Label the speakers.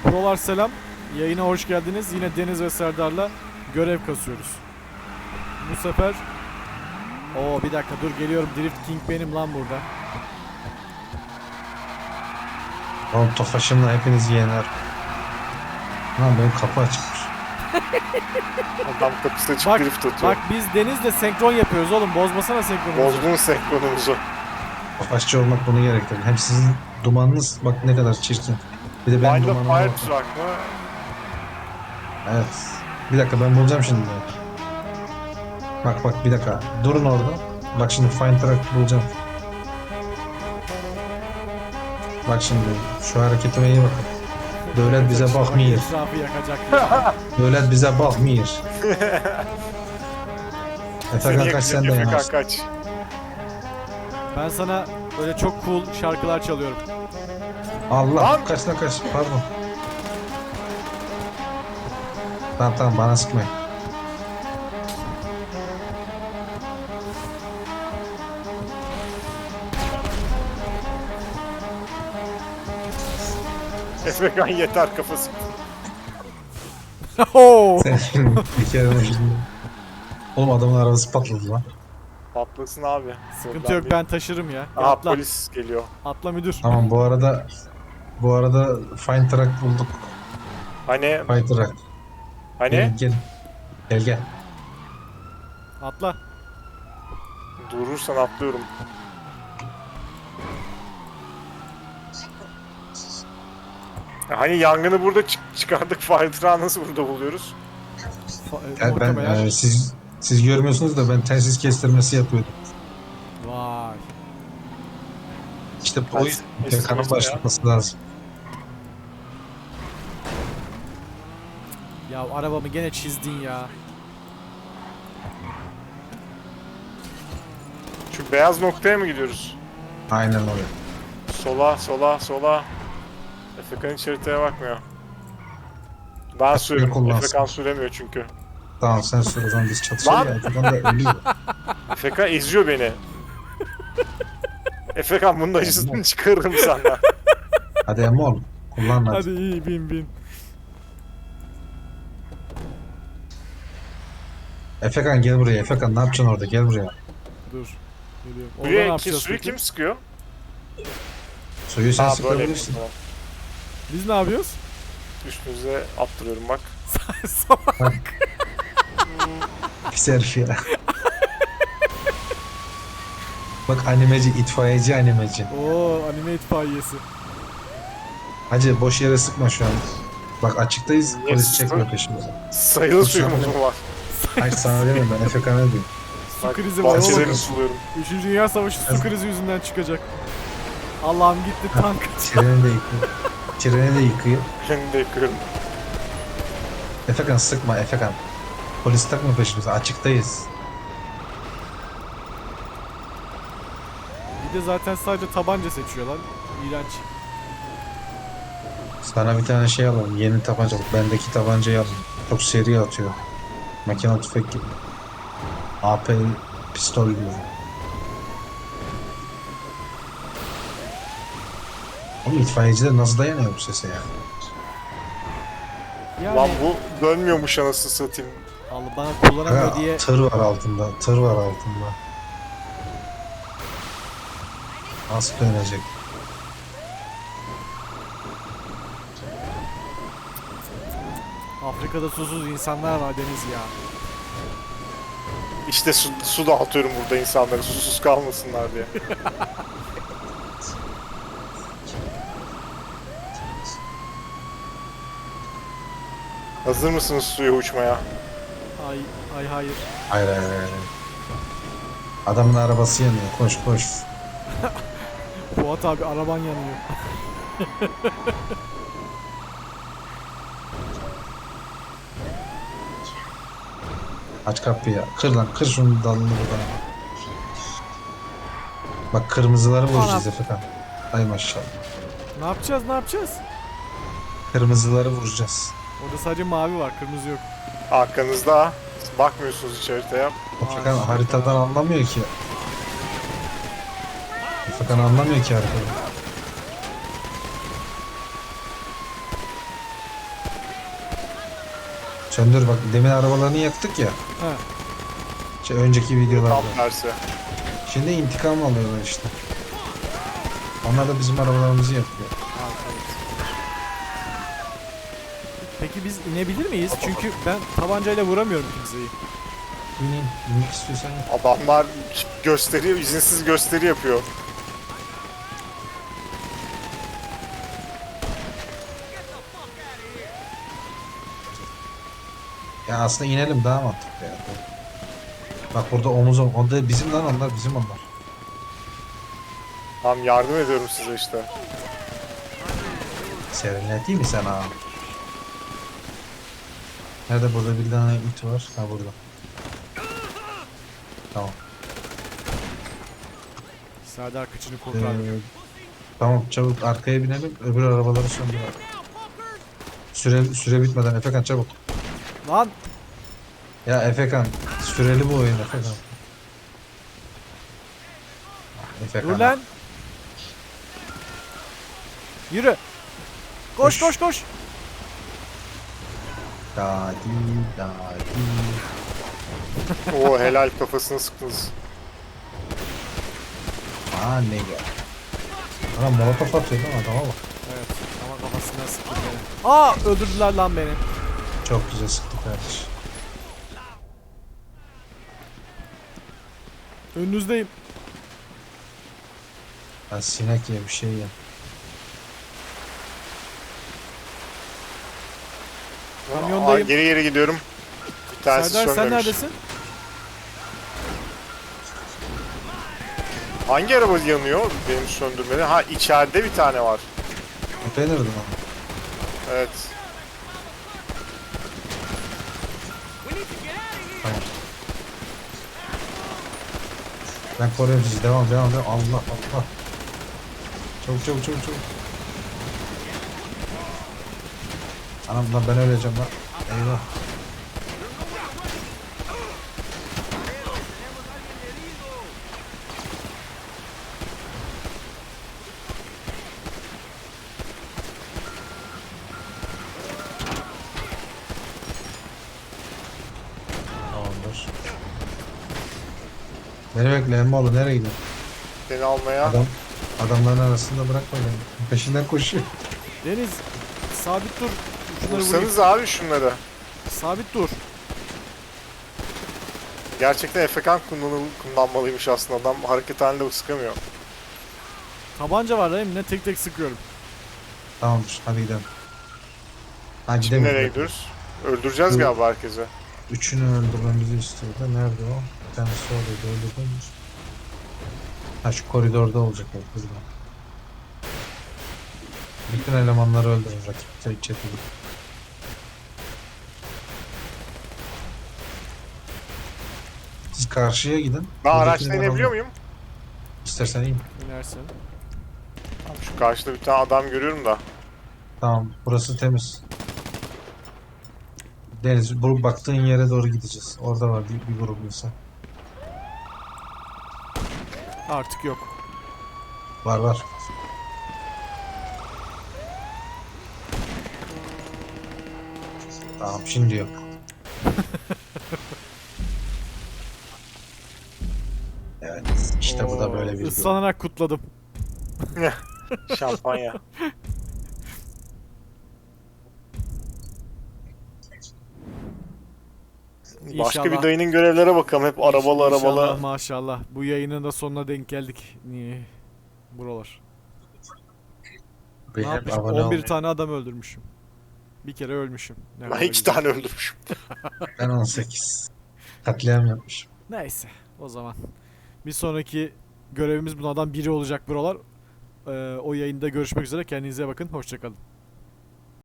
Speaker 1: Prolar selam. Yayına hoş geldiniz. Yine Deniz ve Serdar'la görev kasıyoruz. Bu sefer... bir dakika dur geliyorum. Drift King benim lan burada.
Speaker 2: Oğlum Tofaş'ımla hepinizi yener. Lan benim kapı açıkmış.
Speaker 3: Adam kapısı açık
Speaker 1: Bak,
Speaker 3: drift atıyor.
Speaker 1: bak biz Deniz'le senkron yapıyoruz oğlum. Bozmasana senkronumuzu.
Speaker 3: Bozdun senkronumuzu.
Speaker 2: Tofaşçı olmak bunu gerektirir. Hem sizin dumanınız bak ne kadar çirkin. Bir de benim
Speaker 3: Wild of
Speaker 2: dumanıma
Speaker 3: Fire
Speaker 2: bak.
Speaker 3: Truck mı?
Speaker 2: Evet. Bir dakika ben bulacağım şimdi. Bak bir dakika. Durun orada. Bak şimdi Find Track bulacağım. Bak şimdi şu hareketime iyi bakın. Devlet bize bakmıyor.
Speaker 1: Etrafı yakacak ya.
Speaker 2: Devlet bize bakmıyor.
Speaker 3: Seni
Speaker 2: Efekan kaç sen de
Speaker 3: yakacak
Speaker 2: yanarsın.
Speaker 3: kaç.
Speaker 1: Ben sana böyle çok cool şarkılar çalıyorum.
Speaker 2: Allah
Speaker 3: Lan!
Speaker 2: kaç pardon. Tamam bana sıkmayın.
Speaker 3: Efekan yeter kafası.
Speaker 2: Senin bir kere ucunda. Oğlum adamın arabası patladı lan.
Speaker 3: Patlasın abi.
Speaker 1: Sıkıntı yok, ben taşırım ya.
Speaker 3: Aha
Speaker 1: Atla.
Speaker 3: polis geliyor.
Speaker 1: Atla müdür.
Speaker 2: Tamam bu arada Find Track bulduk.
Speaker 3: Hani
Speaker 2: Find Track.
Speaker 3: hani
Speaker 2: Gel.
Speaker 1: Atla.
Speaker 3: durursan atlıyorum. Hani yangını burada çıkardık. Fire Truck'ı nasıl burada buluyoruz?
Speaker 2: Gel ben
Speaker 1: Muhtemelen.
Speaker 2: siz görmüyorsunuz da ben telsiz kestirmesi yapıyordum.
Speaker 1: Vay.
Speaker 2: İşte bu
Speaker 3: Telsiz
Speaker 2: yüzden kanın
Speaker 3: kestirmesi
Speaker 2: başlatması lazım.
Speaker 1: Ya arabamı gene çizdin ya.
Speaker 3: Şu beyaz noktaya mı gidiyoruz?
Speaker 2: Aynen öyle.
Speaker 3: Sola. Efekan hiç haritaya bakmıyor. Ben sürüyorum.
Speaker 2: kullansın.
Speaker 3: Efekan süremiyor çünkü.
Speaker 2: Tamam sen sor o zaman biz çatışalım ya. Efekan da ölüyor.
Speaker 3: Efekan eziyor beni. Efekan bunun acısını çıkarırım senden.
Speaker 2: Hadi Emol. Kullan hadi.
Speaker 1: Hadi iyi bin.
Speaker 2: Efekan gel buraya. Efekan ne yapacaksın orada? Gel buraya.
Speaker 1: Dur. Geliyorum. Orada ne
Speaker 3: Suyu
Speaker 1: yapacağız peki?
Speaker 3: kim sıkıyor?
Speaker 2: Suyu sen
Speaker 3: Ha böyle.
Speaker 2: sıkabilirsin.
Speaker 3: Tamam.
Speaker 1: Biz ne yapıyoruz?
Speaker 3: Üstünüze attırıyorum bak.
Speaker 1: Salak.
Speaker 2: Pis herif ya. Bak animeci, itfaiyeci animeci.
Speaker 1: Anime itfaiyesi.
Speaker 2: Hacı boş yere sıkma şu an. Bak açıktayız,
Speaker 3: Niye
Speaker 2: polis
Speaker 3: sıktın?
Speaker 2: çekmiyor peşimize.
Speaker 3: Sayılı suyumuz mu var?
Speaker 2: Hayır sana demiyorum ben Efekan'a diyorum.
Speaker 1: Su
Speaker 3: Bak,
Speaker 1: krizi var oğlum.
Speaker 3: bahçelerini suluyorum.
Speaker 1: 3. Dünya Savaşı su krizi yüzünden çıkacak. Allah'ım gitti tank.
Speaker 2: Treni de yıkıyor. Treni de yıkıyor.
Speaker 3: Beni de yıkıyorum.
Speaker 2: Efekan sıkma Efekan. Polis takma peşimize, açıktayız.
Speaker 1: Bir de zaten sadece tabanca seçiyorlar. İğrenç.
Speaker 2: Sana bir tane şey alalım, yeni tabancalık. Bendeki tabancayı alalım. Çok seri atıyor. Makine tüfek gibi. AP pistol gibi. Oğlum itfaiyeciler nasıl dayanıyor bu sese ya?
Speaker 1: Yani
Speaker 3: Lan bu dönmüyormuş anasını satayım.
Speaker 1: Allah bana kullanamıyor
Speaker 2: Ha,
Speaker 1: diye
Speaker 2: tır var altında, tır var altında. Nasıl dönecek?
Speaker 1: Afrika'da susuz insanlar var Deniz ya.
Speaker 3: İşte su dağıtıyorum burada insanlara susuz kalmasınlar diye. Hazır mısınız suya uçmaya?
Speaker 1: Ay hayır.
Speaker 2: Hayır. Adamın arabası yanıyor. Koş.
Speaker 1: Fuat abi araban yanıyor.
Speaker 2: Aç kapıyı. Kır lan. Kır şunun dalını buradan. Bak kırmızıları vuracağız Efekan. Ay maşallah.
Speaker 1: Ne yapacağız?
Speaker 2: Kırmızıları vuracağız.
Speaker 1: Orada sadece mavi var, kırmızı yok.
Speaker 3: Arkanızda. Bakmıyorsunuz hiç haritaya.
Speaker 2: Efekan haritadan anlamıyor ki. Efekan anlamıyor ki haritadan. Söndür bak, demin arabalarını yaktık ya.
Speaker 1: He.
Speaker 2: Önceki videolarda.
Speaker 3: Tam tersi.
Speaker 2: Şimdi intikam alıyorlar işte. Onlar da bizim arabalarımızı yakıyor.
Speaker 1: Peki biz inebilir miyiz? Çünkü ben tabancayla vuramıyorum kimseyi.
Speaker 2: İnmek istiyorsan in.
Speaker 3: Adamlar gösteri, izinsiz gösteri yapıyor.
Speaker 2: Ya aslında inelim, daha mantıklı ya. Bak burada omuz omuz. O da bizim lan, onlar bizim onlar.
Speaker 3: Tam yardım ediyorum size işte.
Speaker 2: Serinleteyim mi sen abi? Nerede, burada bir tane it var. Ha burada. Tamam.
Speaker 1: Serdar kıçını kurtardı.
Speaker 2: Tamam, çabuk arkaya binelim, öbür arabaları söndürelim. Süre bitmeden Efekan çabuk.
Speaker 1: Lan
Speaker 2: Ya Efekan, süreli bu oyun Efekan. Efekan.
Speaker 1: dur lan. Yürü. Koş
Speaker 2: Koş.
Speaker 1: koş koş.
Speaker 2: Dadi dadi.
Speaker 3: Oo helal, kafasını sıktınız.
Speaker 2: Aa ne ya. Ana molotof atıyor değil mi adama bak.
Speaker 1: Evet ama kafasından sıktı beni. Aa öldürdüler lan beni.
Speaker 2: Çok güzel sıktı kardeş.
Speaker 1: Önünüzdeyim.
Speaker 2: Ben sinek ye bir şey ye.
Speaker 1: Kamyondayım.
Speaker 3: Geri geri gidiyorum. Bir tanesi
Speaker 1: Serdar sen
Speaker 3: sönmemiş.
Speaker 1: neredesin?
Speaker 3: Hangi araba yanıyor benim söndürmede? Ha, içeride bir tane var.
Speaker 2: Beğenirdim ama.
Speaker 3: Evet.
Speaker 2: Tamam. Ben koruyorum sizi. Devam. Allah Allah. Çabuk. Anam lan, ben öleceğim lan. Eyvah. Tamamdır. Beni bekle Emmoğlu, nereye gidiyorsun?
Speaker 3: Seni almaya.
Speaker 2: Adamların arasında bırakma beni. Peşinden koşuyor.
Speaker 1: Deniz sabit dur. Şunları vurayım.
Speaker 3: Vursanız abi şunları.
Speaker 1: Sabit dur.
Speaker 3: Gerçekten efekan kullanmalıymış aslında. Adam hareket halinde sıkamıyor.
Speaker 1: Tabanca var değil mi? Ne tek tek sıkıyorum.
Speaker 2: Tamamdır, hadi gidelim. Ha,
Speaker 3: Şimdi
Speaker 2: gidelim.
Speaker 3: nereye gidiyoruz? Öldüreceğiz
Speaker 2: Bu-
Speaker 3: galiba herkese.
Speaker 2: Üçünü öldürmemizi istiyordu. Nerede o? Bir tanesi oradaydı, öldürdünüz. Ha, şu koridorda olacak o burada. Bütün elemanları öldürün rakip çeteli. Siz karşıya gidin.
Speaker 3: Ben
Speaker 2: Buradaki
Speaker 3: araçla
Speaker 2: elemanlar-
Speaker 3: inebiliyor muyum?
Speaker 2: İstersen in.
Speaker 1: İnersin.
Speaker 3: Şu karşıda bir tane adam görüyorum da.
Speaker 2: Tamam, burası temiz. Deniz, bu baktığın yere doğru gideceğiz. Orada var bir grup insan.
Speaker 1: Artık yok.
Speaker 2: Var. Tamam, şimdi yok. Evet, işte bu da böyle bir
Speaker 1: Islanarak kutladım.
Speaker 3: Şampanya. Başka
Speaker 1: İnşallah.
Speaker 3: bir dayının görevlere bakalım. Hep arabalı
Speaker 1: İnşallah, maşallah. Bu yayının da sonuna denk geldik. Niye? Buralar. Ne
Speaker 2: Benim
Speaker 1: yapmışım?
Speaker 2: abone
Speaker 1: 11
Speaker 2: olmayı.
Speaker 1: tane adam öldürmüşüm. Bir kere ölmüşüm. Ne
Speaker 3: Ben
Speaker 1: kadar
Speaker 3: 2
Speaker 1: güzel.
Speaker 3: tane öldürmüşüm.
Speaker 2: Ben 18. Katliam yapmışım.
Speaker 1: Neyse o zaman. Bir sonraki görevimiz bunlardan biri olacak buralar. O yayında görüşmek üzere. Kendinize bakın. Hoşçakalın.